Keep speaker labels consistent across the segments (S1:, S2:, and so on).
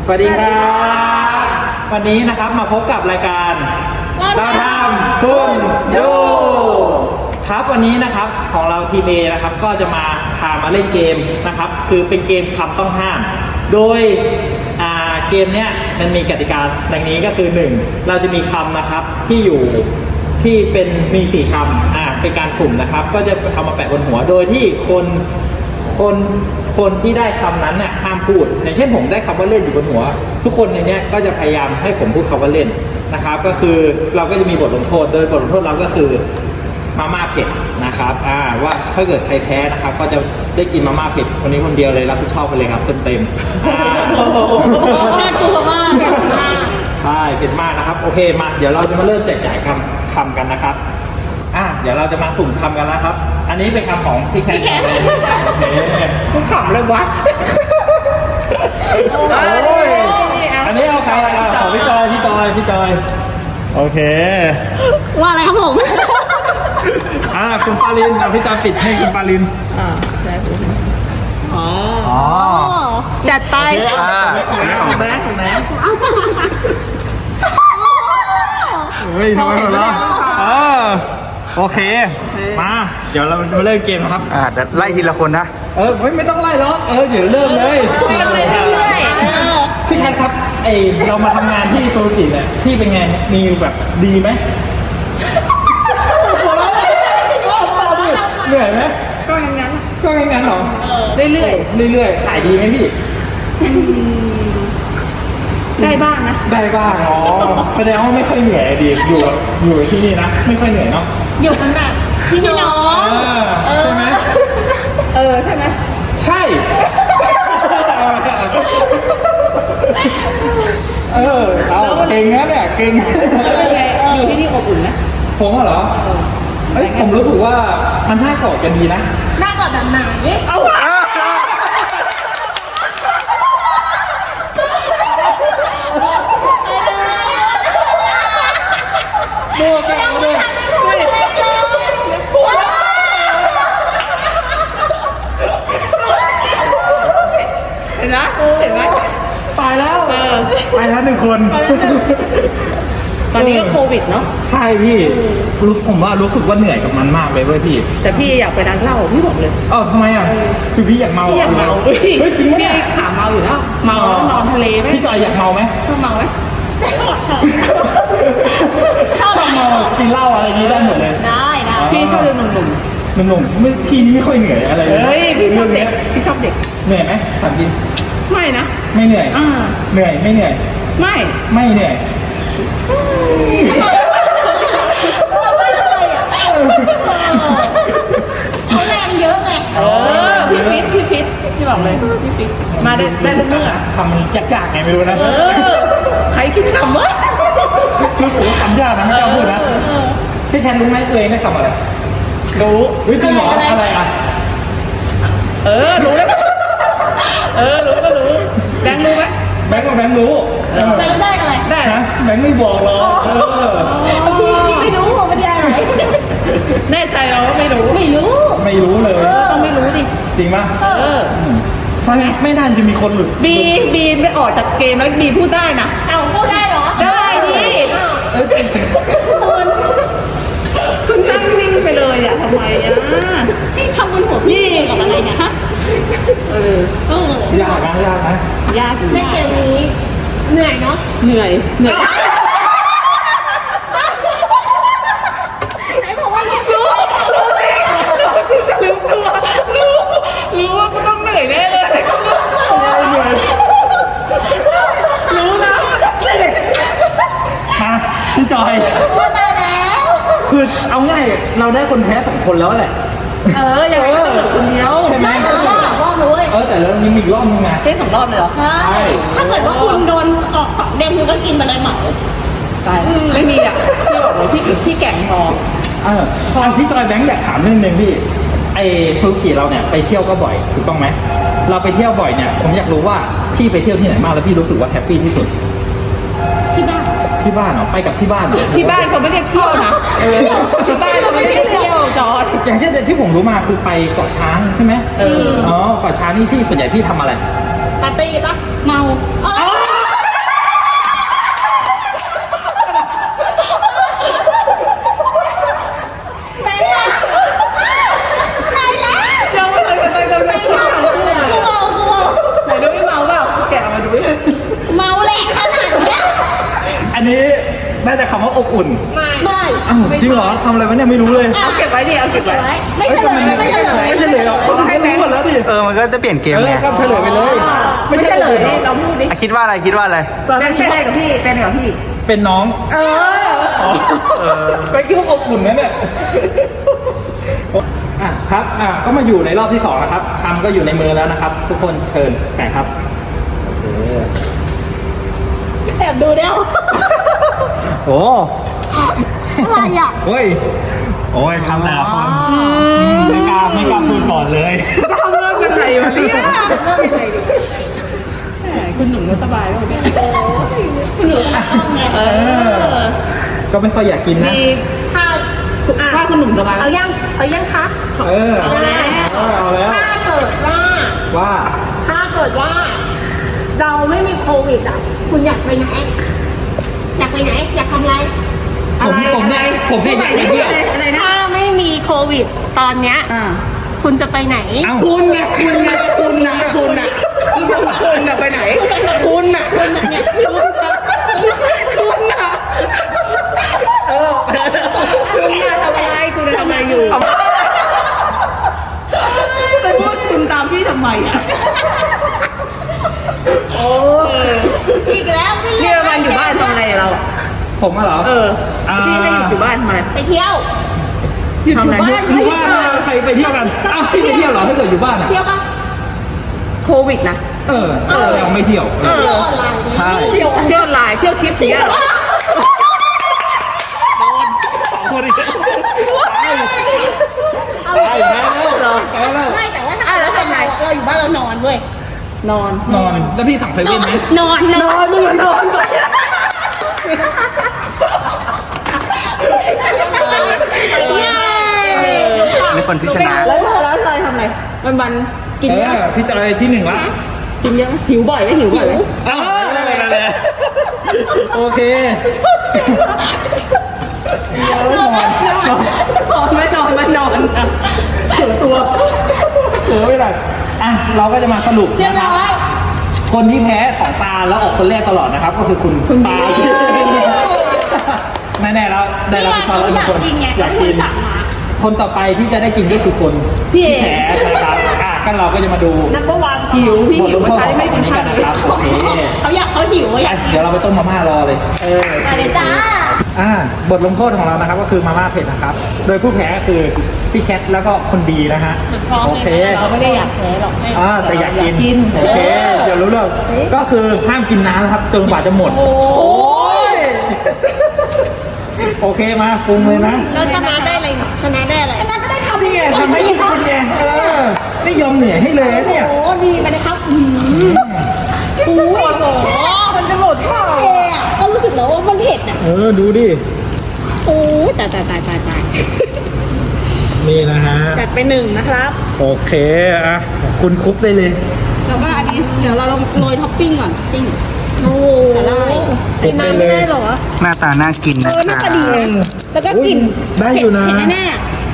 S1: สวัสดีครับวันนี้นะครับมาพบกับรายการเราทำคุณดูครับวันนี้นะครับของเราทีม A นะครับก็จะมาเล่นเกมนะครับคือเป็นเกมคำต้องห้ามโดยเกมเนี้ยมันมีกติกาดังนี้ก็คือ 1. เราจะมีคำนะครับที่อยู่ที่เป็นมี4คำเป็นการสุ่มนะครับก็จะเอามาแปะบนหัวโดยที่คนที่ได้คำนั้นเนี่ยห้ามพูดอย่างเช่นผมได้คำว่าเล่นอยู่บนหัวทุกคนในเนี้ยก็จะพยายามให้ผมพูดคำว่าเล่นนะครับก็คือเราก็จะมีบทลงโทษโดยบทลงโทษเราก็คือมาม่าเผ็ดนะครับว่าถ้าเกิดใครแพ้นะครับก็จะได้กินมาม่าเผ็ดคนนี้คนเดียวเลยรับผิดชอบไปเลยครับเต็ม
S2: น่ากลัวมากเผ็ดมาก
S1: ใช่เผ็ดมากนะครับโอเคมาเดี๋ยวเราจะมาเริ่มแจกจ่ายคำกันนะครับเดี๋ยวเราจะมาสุ่มคำกันนะครับอันนี้เป็นคำของพี่แคทเลยโอเคคุณขำเลยวะอันนี้เอาใครของพี่จอยโอเค
S2: ว่าอะไรครับผม
S1: คุณปาลินพี่จอยปิดให้คุณปาลิน
S2: จัดไป
S1: ของแบงค์เฮ้ยทำไมหมดแล้วโอเคมาเดี๋ยวเรามาเริ่มเกมนะครับ
S3: เดี๋ยวไล่ทีละคนนะ
S1: ไม่ต้องไล่หรอกเดี๋ยวเริ่มเลยพี่แคทครับเรามาทำงานที่โซลูจิเนี่ยพี่เป็นไงมีแบบดีไหมเหนื่อยไหมก็งั้นหรอเรื่อยขายดีไหมพี่
S2: ได้บ้างนะ
S1: ได้บ้างแสดงว่าไม่ค่อยเหนื่อยดีอยู่ที่นี่นะไม่ค่อยเหนื่อยเนาะ
S2: อยู่กันแบบพี่น้อง
S1: ใช่ไหม
S2: ใช่ไหม
S1: ใช่เอาเก่งนะเนี่ยเก่ง
S2: อยู่ที่นี่อบอุ่นนะ
S1: ผมเหรอผมรู้สึกว่ามันน่ากอดกันดีนะ
S2: น่ากอดแบบไหนเอา
S1: ดู
S2: เห็นไหม
S1: ตายแล้ว1 คน
S2: ตอนนี้ก็โควิดเนาะ
S1: ใช่พี่ผมว่ารู้สึกว่าเหนื่อยกับมันมากเลยเว้ยพี่
S2: แต่พี่อยากไปร้านเหล้าพี่บอกเลย
S1: ทำไมคือพี่อยากเมา
S2: พี่อยากเมา
S1: เฮ้ยจริงไหมเนี่ย
S2: ขาเมาอยู่แล้วเมาแล้วนอนทะเลไหม
S1: พี่จอยอยากเมาไหม
S2: ชอบเมาไหม
S1: ชอบเมากินเหล้าอะไรนี้ได้หมดเลย
S2: ได้พี่ชอบเรื่องหนุ่ม
S1: ไม่พี่นี่ไม่ค่อยเหนื่อยอะไรเลย
S2: พี่ชอบเด็ก
S1: เหนื่อยไหมถามจริง
S2: ไม่นะ
S1: ไม่เหนื่อยเหนื่อยไม่เหนื่อยไม่เหนื่อย
S2: เขาแรงเยอะไงพี่ฟิตพี่บอกเลยพี่ฟิตมาได้ทุกเมื่อ
S1: คำยากๆไงไม่รู้นะ
S2: ใครคิดคำวะ
S1: รู้สึกว่าคำยากนะไม่กล้าพูดนะพี่แคนรู้ไหมตัวเองได้คำอะไรรู้จริงเหรออะไร
S2: รู้แล้วรู้ก็รู้แบงค์รู้ไหม
S1: แบงค์รู้
S2: แบงค์ได้อะไรได้
S1: นะแบงค์ไม่บอกหรอก
S2: พี่ไม่รู้มันได้อะไรแน่ใจเราไม่รู้
S1: เลย
S2: ต้องไม่รู้ดิ
S1: จริงป่ะเพราะไม่นานจะมีคนหลุด
S2: บีไม่ออกจากเกมแล้วบีพูดได้นะพูดได้เหรอได้ดิคุณนั่งนิ่งไปเลยทำไมนี่ทำบนหัวพี่กับอะไรเนี่ยฮะ
S1: ยากนะ
S2: ในเกมนี้เหนื่อยเนาะเหนื่อยไหนบอกว่ารู้ว่าต้องเหนื่อยแน่เลยรู้นะ
S1: พี่จอย
S2: ได้แล้ว
S1: คือเอาง่ายเราได้คนแพ้2 คนแล้วแหละ
S2: ยังไงก็เหลือคนเดียว
S1: ใช่ไหม
S2: แต่เรา2 รอบเลย
S1: แต่แล้วนี่มีรอบนึงไง
S2: เป็น2 รอบเลยเหรอใช่ถ้าเกิดว่าคุณโดนออก2 เด้งคุณก็กินไปเลยเหมาตายไม่มีพี่บอกเลยพี่แก่งพอ
S1: พี่จอยแบงค์อยากถามเรื่องนึงพี่ฟูกิเราเนี่ยไปเที่ยวก็บ่อยถูกต้องไหมเราไปเที่ยวบ่อยเนี่ยผมอยากรู้ว่าพี่ไปเที่ยวที่ไหนมาแล้วพี่รู้สึกว่าแฮปปี้ที่สุดที่บ้านเหรอไปกับที่บ้าน
S2: ที่บ้านเขาไม่ได้เที่ยวนะที่บ้านเขาไม่ได้เที่ยวจอด
S1: อย่างเช่นที่ผมรู้มาคือไปเกาะช้างใช่ไหมเกาะช้างนี่พี่ส่วนใหญ่พี่ทำอะไร
S2: ปาร์ตี้ปะเมา
S1: น่าจะคำว่าอบอุ่น
S2: ไม่
S1: อ้าวจริงเหรอคำอะไรวะเนี่ยไม่รู้เลย
S2: เอาเก็บไว้ดิเอาเก็บไว้ไม่เฉลยไม่เฉลย
S1: ไม่เฉลยหรอกคนอื่นก็รู้หมดแล้วดิ
S3: มันก็จะเปลี่ยนเกม
S1: เอ
S3: ไง
S1: อก็เฉลยไปเลย
S2: ไม่เฉลยดิเราพูดดิ
S3: คิดว่าอะไรคิดว่าอะไร
S2: เป็นอะไรกับพี่เป็นอะไรกับพี่
S1: เป็นน้อง
S2: เออ
S1: อ๋อไปคิดว่าอบอุ่นนะเนี่ยอ่ะครับก็มาอยู่ในรอบที่2นะครับคำก็อยู่ในมือแล้วนะครับ ทุกคนเชิญแปะครับโอเค
S2: แอบดูเดี๋ยว
S1: โอ้
S2: อะไรอ่ะ
S1: เฮ้ยโอ้ยคำแต่ละคนไม่กล้าพูดก่อนเลย
S2: ทำเริ่มกันไหนวะเนี่ยเริ่มยังไงดิคุณหนุ่มก็สบายแล้วเนี่ยคุณหนุ่มเออ
S1: ก็ไม่ค่อยอยากกินนะ
S2: ถ้าคุณหนุ่มสบายเอายังคะ
S1: เออ
S2: เอาแล้ว
S1: เอาแล้ว
S2: ถ้าเกิดว่า
S1: ว่า
S2: เราไม่มีโควิดอ่ะ คุณอยากไปไหน อยากไปไหน อยากทำอะไร
S1: ผมเนี่ยอยากไปเที่ยว
S2: ถ้าไม่มีโควิดตอนเนี้ยคุณจะไปไหน
S1: เอ้า
S2: คุณน่ะไปไหน คุณน่ะคุณน่ะทำอะไรคุณทำอะไรอยู่ไปพูดคุณตามพี่ทำไมอ่ะโอ้อีกแล้วพี่เรียกมันอยู่บ้านทำอะไรเรา
S1: ผมอะเหรอ
S2: พี่ให้อยู่บ้านทำไมไปเที่ยวอยู่บ้าน
S1: อยู่บ้านใครไปเที่ยวกันอ้าวพี่ไปเที่ยวเหรอถ้าเกิดอยู่บ้านอะ
S2: เที่ยวปะโควิดนะ
S1: ยังไม่เที่ยว
S2: เที่ยวออนไลน์
S1: ใช่
S2: เที่ยวออนไลน์เที่ยวทิปอย่างเงี้ยเหรอ
S1: คนอีกตายแล้ว
S2: ไม่แต่ว่าถ้าเราทำไงเราอยู่บ้านเรานอนเว้ยนอน
S1: แล้วพี่สั่งเซเว่นไหม
S2: นอนมึงนอนก่อน
S3: นี่คนที่ชนะ
S2: แล้วเราทำอะไรวันกินเยอะ
S1: พี่จอยที่1ละ
S2: กินเยอะหิวบ่อยไหม
S1: โอเค
S2: ไม่นอน
S1: เสือตัวไม่ได้เราก็จะมาสรุปนะครับ คนที่แพ้ของตาแล้วออกคนแรกตลอดนะครับ ก็คือคุณปาแน่ๆแล้วได้รับผิดชอบแล้วทุกคนอยากกิน คนต่อไปที่จะได้กินก็คือคนที่แพ้นะครับก็เราก็จะมาดู
S2: นับประวันหิวพี่
S1: บทลงโทษของคนนี้กันนะครับโอเค
S2: เขาหิว
S1: เดี๋ยวเราไปต้มมาม่ารอเลย
S2: มาเลยจ้า
S1: บทลงโทษของเรานะครับก็คือมาม่าเผ็ดนะครับ โดยผู้แพ้ก็คือพี่แคทแล้วก็คนดีนะฮะโอเค
S2: เราไม่ได้อยากแพ้หรอก
S1: แต่อยากกินโอเคเดี๋ยวรู้เรื่องก็คือห้ามกินน้ำนะครับจนกว่าจะหมด
S2: โอ้ย
S1: โอเคมาปรุงเลยนะ
S2: แล้วชนะได้อะไรชนะก็ได้ทำ
S1: นี่ไงทำให้กินไงไม่ยอมเหนื่อยให้เลยนะเนี่ย
S2: โอ้ดีไปเลยครับโอ้ยมันจะหมดเปล่าก็รู้สึกแล้วว่ามันเผ็ดอ่ะ
S1: ดูดิ
S2: โอ้ตาย
S1: นี่นะฮะ
S2: จัดไป1นะครับ
S1: โอเคคุณคุปได้เลย
S2: แล้วก็อันนี้เดี๋ยวเราโรยท็อปปิ้งก่อนปิ้งโอ้สาหร่ายใส่น้ำไม่ได้หรอ
S3: หน้าตาน่ากินนะ
S2: น่าจะดีเลยแล้วก็กลิ่น
S1: ได้อยู่นะ
S2: เผ็ดแน่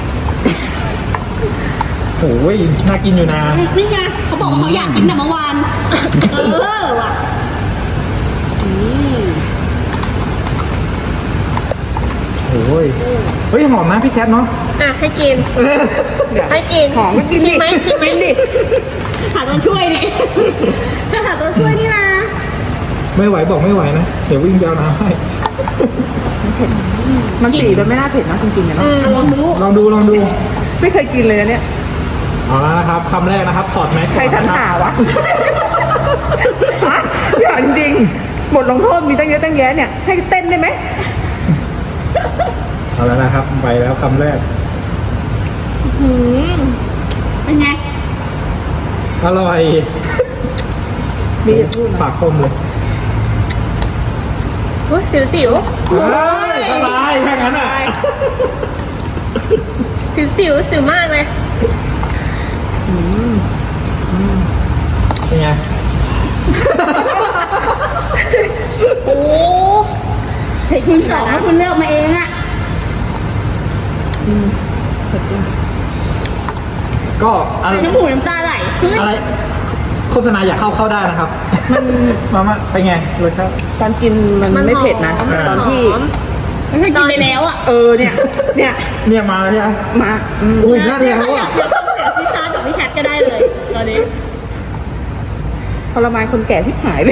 S1: โอ้ยน่ากินอยู่นะ
S2: นี่ไงเขาบอกว่าเขาอยากกินแต่เมื่อวานว่ะ
S1: โอ้ยเฮ้ยหอมนะพี่แคทเนาะ
S2: ให้กินให้กินหอมก็กินดิชิมไหมหาตัวช่วยนี่จะหาตัวช่วยนี่นะ
S1: ไม่ไหวบอกไม่ไหวนะเดี๋ยววิ่งยาวน้ำให้
S4: มันสีมันไม่น่าเผ็ดนะจริงๆนะ
S2: ลองดู
S1: ลองดู
S4: ไม่เคยกินเลยนะเนี่ย
S1: เอาละนะครับคำแรกนะครับถอดแมส
S4: ใครทันหาวะฮะอย่าจริงๆบทลงโทษมีตั้งเยอะตั้งแยะเนี่ย ให้เต้นได้ไหม
S1: เอาแล้วนะครับไปแล้วคำแรก
S2: เป็นไง
S1: อร่อย
S4: มีอย่าพูดนะ
S1: ปากคมเลย
S2: สิว
S1: สบายแค่นั้นอ่ะ
S2: สิวมากเลย
S1: เป็นไง
S2: โอ้เห็นคุณสองแล้วคุณเลือกมาเองอะ
S1: ก็อะไร
S2: น้ำหูน้ำตาไหล
S1: อะไรโฆษณาอยากเข้าได้นะครับ มันมาเป็นไงรสชาติ
S4: ตอนกินมันไม่เผ็ดนะ
S1: มันหอม
S4: ตอนที่
S2: ไม่กินไปแล้วอ่ะ
S4: เนี่ย
S1: เนี่ยมาแล้วใช่ไหม
S4: มาอืม
S1: อุ้ยหน้าเดียว
S2: อยา
S1: อ่ะ
S2: กฟังเสียงซิชาจากพี่แคทก็ได้เลยตอนนี้
S4: ทรมานคนแก่ชิบหายเลย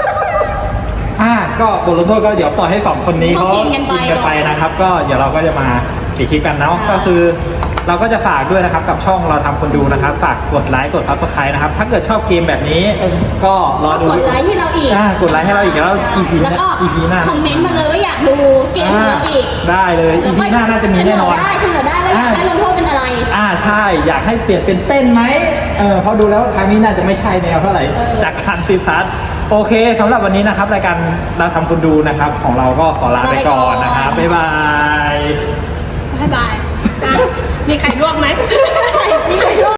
S1: ก็บทลงโทษก็เดี๋ยวปล่อยให้สองคนนี้เขา
S2: เขากินกันไป
S1: นะครับ ก็เดี๋ยวเราก็จะมาปิดคลิปกันเนาะก็คือ เราก็จะฝากด้วยนะครับกับช่องเราทำคนดูนะครับฝากกดไลค์กด Subscribe นะครับถ้าเกิดชอบเกมแบบนี้ ก็รอดู
S2: กดไลค์ให้เราอีก
S1: กดไลค์ให้เราอีกแล้ว EP
S2: แล้วก็
S1: หน้า
S2: คอมเมนต์มาเลยว่าอยากดูเกมของเราอีก
S1: ได้เลย EP หน้าน่าจะมีแน่นอน
S2: เสนอได้ว่าอยากให้ลงโทษเป็นอะไร
S1: ใช่อยากให้เปลี่ยนเป็นเต้นไหมเพราะดูแล้วครั้งนี้น่าจะไม่ใช่แนวเท่าไหร่จากคันซีซัสโอเคสำหรับวันนี้นะครับรายการเราทำคนดูนะครับของเราก็ขอลาไปก่อนนะครับบ๊ายบาย
S2: บ๊ายบายมีใครร่วงไหมมีใครร่วง